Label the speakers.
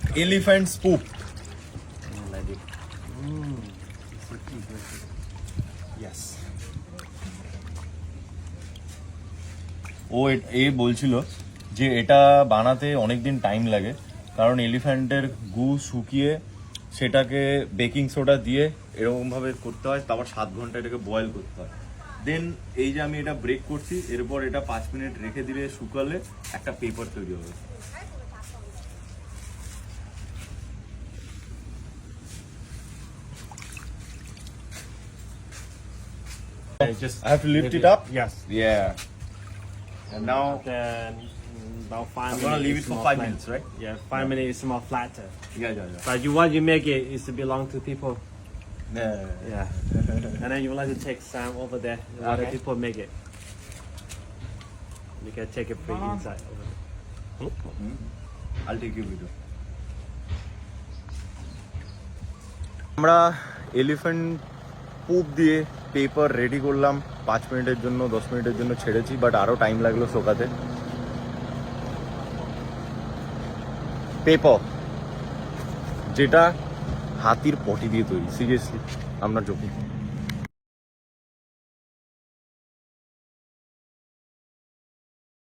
Speaker 1: elephant's poop.
Speaker 2: Like it.
Speaker 1: Yes. ও এ বলছিল যে এটা বানাতে অনেকদিন টাইম লাগে, কারণ এলিফ্যান্টের গু শুকিয়ে সেটাকে বেকিং সোডা দিয়ে এরকমভাবে করতে হয়, তারপর 7 ঘন্টা এটাকে বয়েল করতে হয়। দেন এই যে আমি এটা ব্রেক করছি, এরপর এটা 5 মিনিট রেখে দিলে শুকালে একটা পেপার তৈরি হবে।
Speaker 2: Just
Speaker 1: I have to lift it up?
Speaker 2: Yes.
Speaker 1: Yeah. And now
Speaker 2: Then about 5
Speaker 1: I'm
Speaker 2: minutes.
Speaker 1: gonna leave it
Speaker 2: it's
Speaker 1: for
Speaker 2: more
Speaker 1: 5
Speaker 2: flat.
Speaker 1: minutes, right?
Speaker 2: Yeah, 5 minutes is more flatter.
Speaker 1: Yeah.
Speaker 2: But what you make it is to belong to people.
Speaker 1: Yeah.
Speaker 2: Yeah. And then you would like to take some over there. What the
Speaker 1: Okay.
Speaker 2: people make it. You can take it free inside over there.
Speaker 1: I'll take your video. আমরা elephant poop দিয়ে paper ready করলাম, 5 মিনিটের জন্য 10 মিনিটের জন্য ছেড়েছি, but আরও time লাগলো শোকাতে। পেপার যেটা হাতির পটি দিয়ে তৈরি, সিরিয়াসলি আমরা জোকি।